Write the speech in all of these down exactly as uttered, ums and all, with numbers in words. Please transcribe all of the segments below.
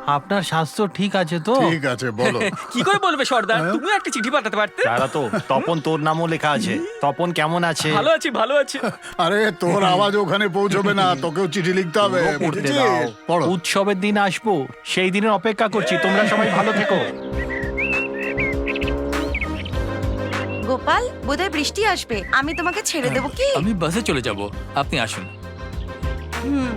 আপনার স্বাস্থ্য ঠিক আছে তো? ঠিক আছে, বলো। কি করে বলবে সর্দার? তুমি একটা চিঠি পাঠাতে পারতে। তারা তো তপন তোর নামও লেখা আছে। তপন কেমন আছে? ভালো আছি, ভালো আছি। আরে তোর আওয়াজ ওখানে পৌঁছবে না, তোকেও চিঠি লিখতে হবে। পুরো পড়তে বুঝেছিস? দাও। পড়ো। উৎসবের দিন আসবো, সেই দিনের অপেক্ষা করছি। তোমরা সবাই ভালো থেকো। গোপাল, বোধহয় বৃষ্টি আসবে, আমি তোমাকে ছেড়ে দেবো কি? আমি বাসে চলে যাব, আপনি আসুন। হুম।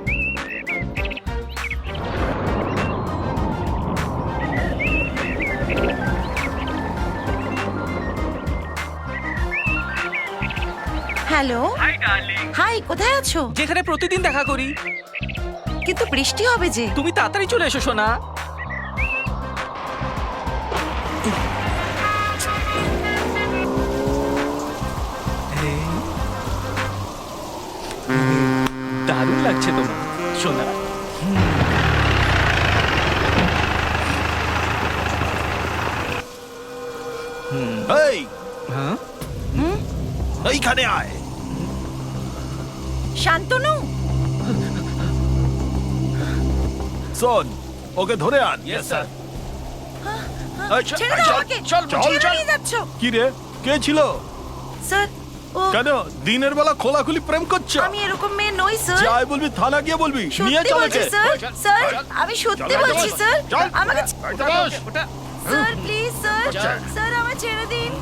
Hello, hi darling. হাই, কোথায় আছো? যেখানে প্রতিদিন দেখা করি। কিন্তু বৃষ্টি হবে যে। তুমি তাড়াতাড়ি চলে এসো সোনা। দারুণ লাগছে তোমার সোনা। এই, হ্যাঁ, এইখানে আয়। শান্তনু, শোন, ওকে ধরে আন। Yes sir. এই, ছেড়ে দাও চল, আমাকে। চল, চল, ছেড়ে চল। নিয়ে যাচ্ছ। কি রে, কে ছিল? স্যার, ও কেন দিনের বেলা খোলাখুলি প্রেম করছো? আমি এরকম মেয়ে নই স্যার। যাই বলবি, থানা গিয়ে বলবি। নিয়ে সত্যি চল বলছি একে। স্যার। স্যার, আমি সত্যি চল, বলছি চল, স্যার। চল। আমাকে ওটা বস, ওটা। স্যার প্লিজ স্যার, স্যার আমায় ছেড়ে দিন।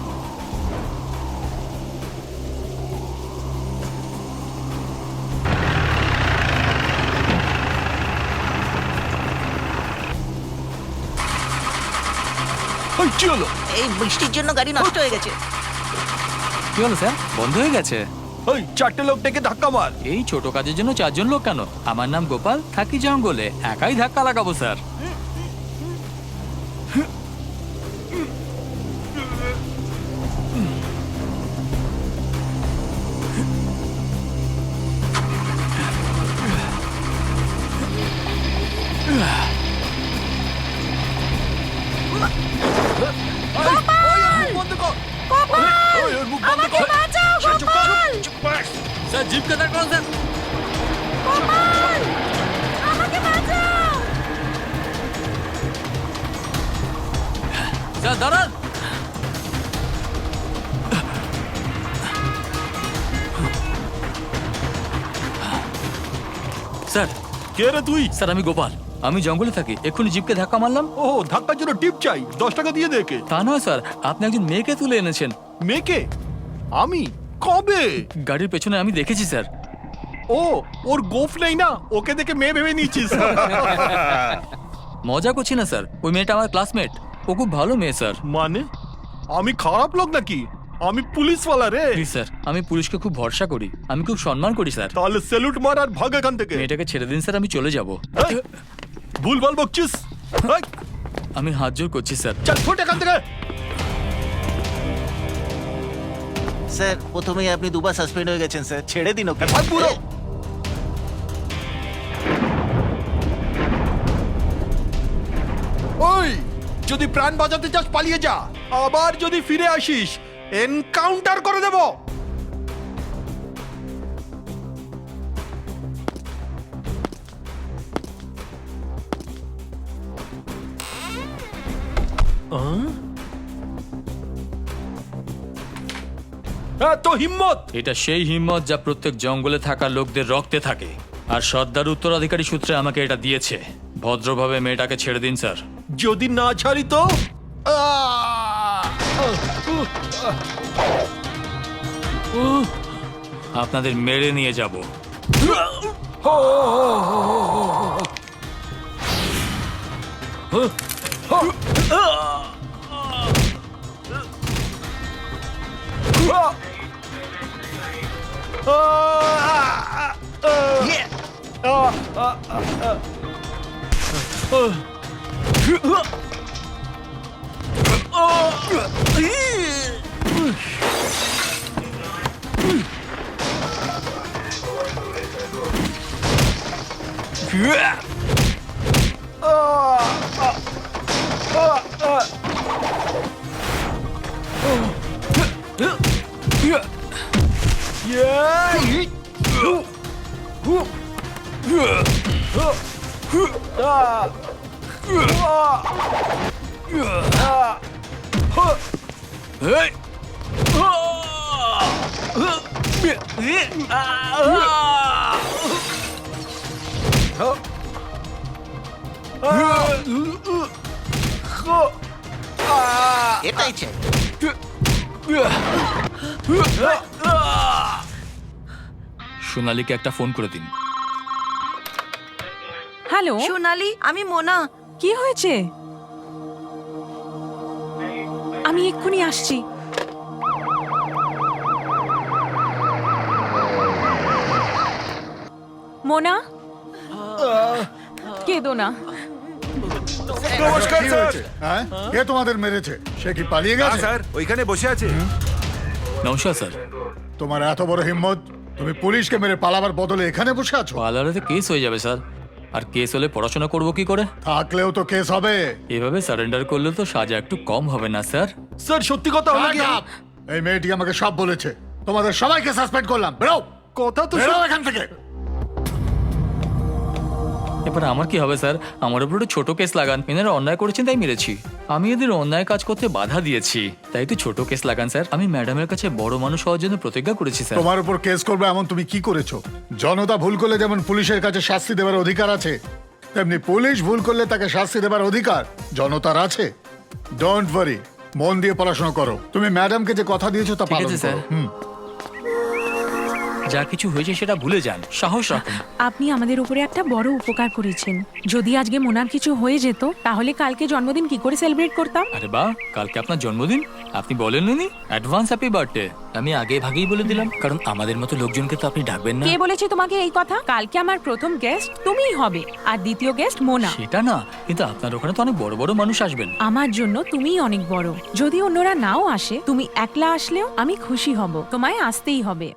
ওই, কি হলো? এই বৃষ্টির জন্য গাড়ি নষ্ট হয়ে গেছে। কি হলো স্যার? বন্ধ হয়ে গেছে? ওই চারটে লোক ডেকে ধাক্কা মার। এই ছোট কাজের জন্য চারজন লোক কেন? আমার নাম গোপাল, থাকি জঙ্গলে, একাই ধাক্কা লাগাবো স্যার। ওই, ওর মুখ বন্ধ কর। ওই, ওর মুখ বন্ধ আমাকে কর। বাঁচাও গোপাল, স্যার জিপকে দাঁড় করুন স্যার। গোপাল, আমাকে বাঁচাও। স্যার দাঁড়ান। স্যার, কে রে তুই? স্যার আমি গোপাল, আমি জঙ্গলে থাকি, এক্ষুনি জিপকে ধাক্কা মারলাম। ও, ধাক্কার জন্য টিপ চাই, দশ টাকা দিয়ে দে একে। তা নয় স্যার, আপনি একজন মেয়েকে তুলে এনেছেন। মেয়েকে? আমি? কবে? গাড়ির পেছনে আমি দেখেছি স্যার। ও, ওর গোফ নেই না, ওকে দেখে মেয়ে ভেবে নিচ্ছিস। মজা করছি না স্যার, ওই মেয়েটা আমার ক্লাসমেট, ও খুব ভালো মেয়ে স্যার। মানে আমি খারাপ লোক নাকি? আমি পুলিশওয়ালা রে। প্লিজ স্যার, আমি পুলিশকে খুব ভরসা করি, আমি খুব সম্মান করি স্যার। তাহলে স্যালুট মার আর ভাগ এখান থেকে। মেয়েটাকে ছেড়ে দিন স্যার, আমি চলে যাব। এই, ভুলভাল বকছিস। এই, আমি হাত জোর করছি স্যার। চল ফুট এখান থেকে। স্যার, প্রথমেই আপনি দুবার সাসপেন্ড হয়ে গেছেন স্যার, ছেড়ে দিন ওকে। ভাগ পুরো। ওই, যদি প্রাণ বাঁচাতে চাস পালিয়ে যা, আবার যদি ফিরে আসিস এনকাউন্টার করে দেব। এত হিম্মত! এটা সেই হিম্মত যা প্রত্যেক জঙ্গলে থাকা লোকদের রক্তে থাকে, আর সর্দার উত্তরাধিকারী সূত্রে আমাকে এটা দিয়েছে। ভদ্রভাবে মেয়েটাকে ছেড়ে দিন স্যার। যদি না ছাড়ি তো আহ! আপনাদের মেরে নিয়ে যাব। এটাই চাই। সোনালীকে একটা ফোন করে দিন। হ্যালো, সোনালি, আমি মোনা। কি হয়েছে? আমি এক্ষুনি আসছি। মোনা, কেঁদো না। নমস্কার স্যার। হ্যাঁ, কে তোমাদের মেরেছে? সে কি পালিয়ে গেছে? স্যার ওইখানে বসে আছে। নমস্কার স্যার। তোমার এত বড় হিম্মত, তুমি পুলিশকে মেরে পালাবার বদলে এখানে বসে আছো? পার্লারেতে কেস হয়ে যাবে স্যার। আর কেস হলে পড়াশোনা করবো কি করে? থাকলেও তো কেস হবে। এভাবে সারেন্ডার করলে তো সাজা একটু কম হবে না স্যার? স্যার সত্যি কথা হলো কি? Shut up! এই মেয়েটি আমাকে সব বলেছে। তোমাদের সবাইকে সাসপেন্ড করলাম। বেরো, কথা তো বেরো এখান থেকে। এবার আমার কি হবে স্যার? আমার উপর একটু ছোট কেস লাগান। এনারা অন্যায় করেছেন তাই মেরেছি। আমি এদের অন্যায় কাজ করতে বাধা দিয়েছি, তাই তো ছোট কেস লাগান স্যার। আমি ম্যাডামের কাছে বড় মানুষ হওয়ার জন্য প্রতিজ্ঞা করেছি স্যার। তোমার উপর কেস করবে এমন তুমি কি করেছো? জনতা ভুল করলে যেমন পুলিশের কাছে শাস্তি দেওয়ার অধিকার আছে, তেমনি পুলিশ ভুল করলে তাকে শাস্তি দেওয়ার অধিকার জনতার আছে। ডোন্ট ওয়ারি, মন দিয়ে পড়াশোনা করো। তুমি ম্যাডামকে যে কথা দিয়েছো তা ঠিক পালন আছে, স্যার। করো। হুম। যা কিছু হয়েছে সেটা ভুলে যান, সাহস রাখুন। আপনি আমাদের উপরে একটা বড় উপকার করেছেন। যদি আজকে মোনার কিছু হয়ে যেত, তাহলে কালকে জন্মদিন কি করে সেলিব্রেট করতাম? আরে বাহ, কালকে আপনার জন্মদিন, আপনি বলেননি? Advance happy birthday. আমি আগে ভাগেই বলে দিলাম, কারণ আমাদের মতো লোকজনকে তো আপনি ডাকবেন না। কে বলেছে তোমাকে এই কথা? কালকে আমার প্রথম গেস্ট তুমিই হবে, আর দ্বিতীয় গেস্ট মোনা। সেটা না, কিন্তু আপনার ওখানে তো অনেক বড় বড় মানুষ আসবেন। আমার জন্য তুমিই অনেক বড়। যদি অন্যরা নাও আসে, তুমি একলা আসলেও আমি খুশি হব। তোমায় আসতেই হবে।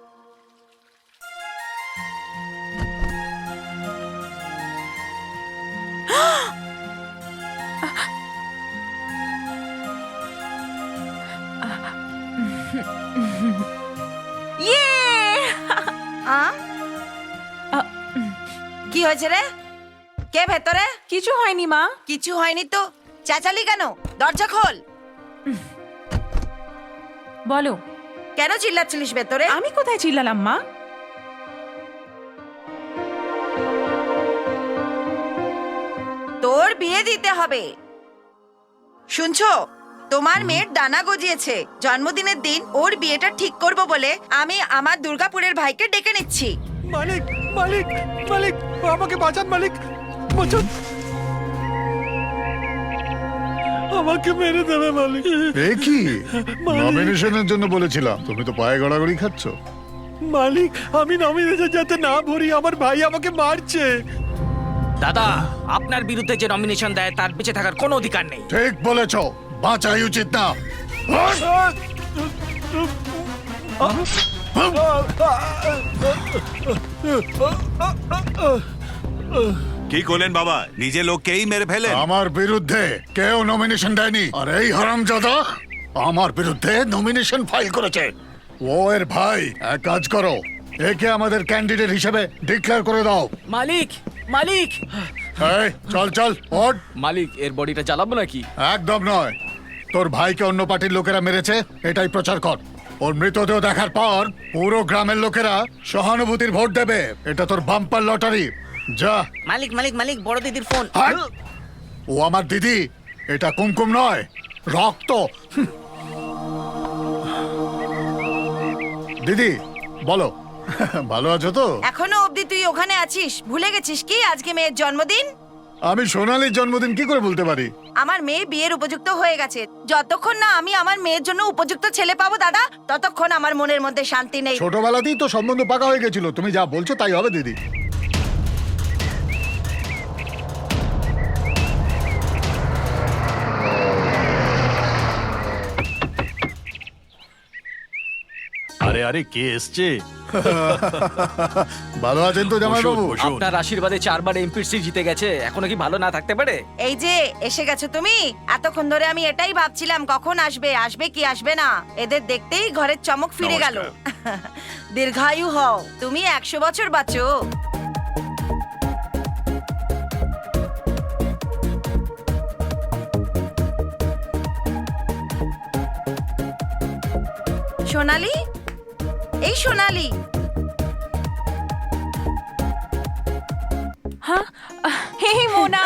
ইয়ে! আ? কি হয়েছে রে? কে ভেতরে? কিছু হয়নি মা। কিছু হয়নি তো চেঁচালি কেন? দরজা খোল। বলো, কেন চিল্লাচ্ছিলিস ভেতরে? আমি কোথায় চিল্লালাম মা? তোর বিয়ে দিতে হবে। শুনছো, তোমার মেয়ের ডানা গজিয়েছে। জন্মদিনের দিন ওর বিয়েটা ঠিক করব বলে আমি আমার দুর্গাপুরের ভাইকে ডেকে নিচ্ছি। মালিক মালিক মালিক, আমাকে বাঁচান মালিক, বাঁচান। আমাকে মেরে দেবে মালিক। এ কি? নমিনেশনের জন্য বলেছিলাম, তুমি তো পায়ে গড়াগড়ি খাচ্ছ। মালিক, আমি নমিনেশন যাতে না ভরি, আমার ভাই আমাকে মারছে। দাদা, আপনার বিরুদ্ধে যে নমিনেশন দেয় তার বেঁচে থাকার কোনো অধিকার নেই। ঠিক বলেছ, বাঁচাই উচিত না। কি করলেন বাবা? নিজে লোককেই মেরে ফেলেন। আমার বিরুদ্ধে কেউ নমিনেশন দেয়নি, আর এই হারামজাদা আমার বিরুদ্ধে নমিনেশন ফাইল করেছে। ও এর ভাই। এক কাজ করো, একে আমাদের ক্যান্ডিডেট হিসেবে ডিক্লেয়ার করে দাও। মালিক, মালিক, এই, চল চল ওঠ। মালিক, এর বডিটা জ্বালাবো নাকি? একদম নয়। তোর ভাইকে অন্য পার্টির লোকেরা মেরেছে, এটাই প্রচার কর। ওর মৃতদেহ দেখার পর পুরো গ্রামের লোকেরা সহানুভূতির ভোট দেবে। এটা তোর বাম্পার লটারি। যা। মালিক, মালিক, মালিক, বড় দিদির ফোন। হাট! ও আমার দিদি, এটা কুমকুম নয়, রক্ত। হুম। দিদি বলো, ভালো আছো তো? এখনো অবধি তুই ওখানে আছিস? ভুলে গেছিস কি আজকে মেয়ের জন্মদিন? আমি সোনালীর জন্মদিন কি করে বলতে পারি? আমার মেয়ে বিয়ের উপযুক্ত হয়ে গেছে। যতক্ষণ না আমি আমার মেয়ের জন্য উপযুক্ত ছেলে পাবো দাদা, ততক্ষণ আমার মনের মধ্যে শান্তি নেই। ছোটবেলাতেই তো সম্বন্ধ পাকা হয়ে গেছিল। তুমি যা বলছো তাই হবে দিদি। আরে আরে, কে এসছে? ভালো আছেন তো জামাইবাবু? আপনার আশীর্বাদে চারবার এমপির সিট জিতে গেছে, এখনো কি ভালো না থাকতে পারে? এই যে এসে গেছো তুমি। এতক্ষণ ধরে আমি এটাই ভাবছিলাম কখন আসবে, আসবে কি আসবে না। এদের দেখতেই ঘরের চমক ফিরে গেল। দীর্ঘায়ু হও, তুমি একশো বছর বাঁচো। সোনালি, এই সোনালি, হ্যাঁ হে মোনা,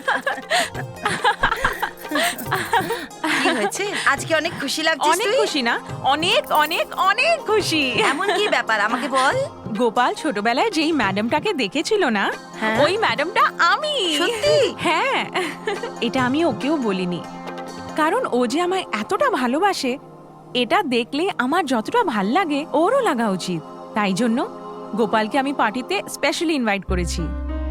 কি হয়েছে? আজকে অনেক খুশি লাগছিস অনেক তুই। খুশি না? অনেক অনেক অনেক খুশি। এমন কি ব্যাপার আমাকে বল। গোপাল ছোটবেলায় যেই ম্যাডামটাকে দেখেছিল না, হ্যাঁ? ওই ম্যাডামটা আমি। সত্যি? হ্যাঁ, এটা আমি ওকেও বলিনি, কারণ ও যে আমায় এতটা ভালোবাসে, এটা দেখলে আমার যতটা ভাল লাগে ওরও লাগা উচিত। তাই জন্য গোপালকে আমি পার্টিতে স্পেশালি ইনভাইট করেছি।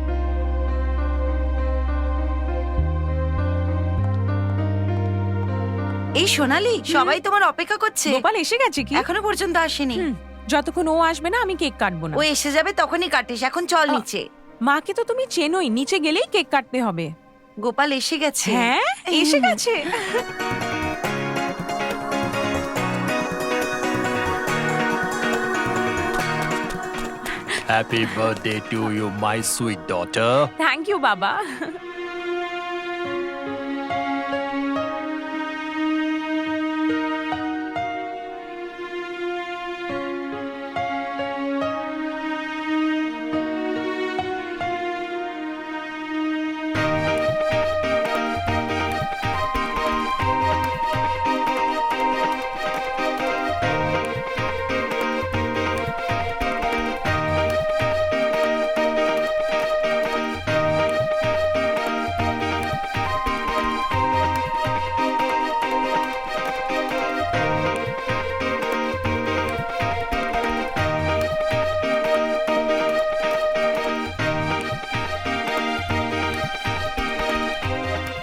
এই সোনালি, সবাই তোমার অপেক্ষা করছে। গোপাল এসে গেছে কি? এখনো পর্যন্ত আসেনি। হুম, যতক্ষণ ও আসবে না আমি কেক কাটবো না। ও এসে যাবে তখনই কাটিস। এখন চল নিচে। মাকে তো তুমি চেনোই, নিচে গেলেই কেক কাটতে হবে। গোপাল এসে গেছে। হ্যাঁ, এসে গেছে। Happy birthday to you my sweet daughter. Thank you বাবা।